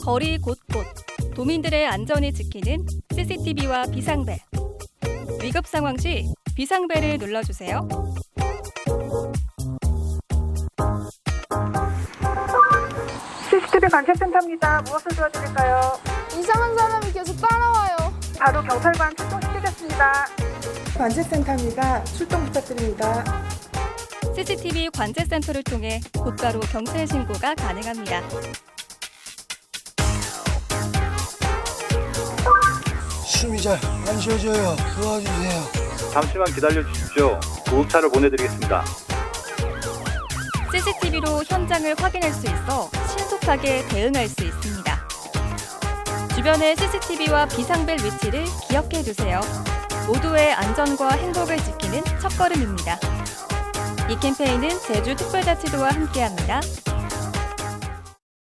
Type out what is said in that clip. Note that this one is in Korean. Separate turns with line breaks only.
거리 곳곳 도민들의 안전을 지키는 CCTV와 비상벨. 위급 상황 시 비상벨을 눌러주세요.
CCTV 관제센터입니다. 무엇을 도와드릴까요?
이상한 사람이 계속 따라와요.
바로 경찰관 출동시키겠습니다.
관제센터입니다. 출동 부탁드립니다.
CCTV 관제센터를 통해 곧바로 경찰 신고가 가능합니다.
숨이 잘 안 쉬어져요. 도와주세요.
잠시만 기다려 주십시오. 구급차를 보내드리겠습니다.
CCTV로 현장을 확인할 수 있어 신속하게 대응할 수 있습니다. 주변의 CCTV와 비상벨 위치를 기억해 두세요. 모두의 안전과 행복을 지키는 첫걸음입니다. 이 캠페인은 제주특별자치도와 함께합니다.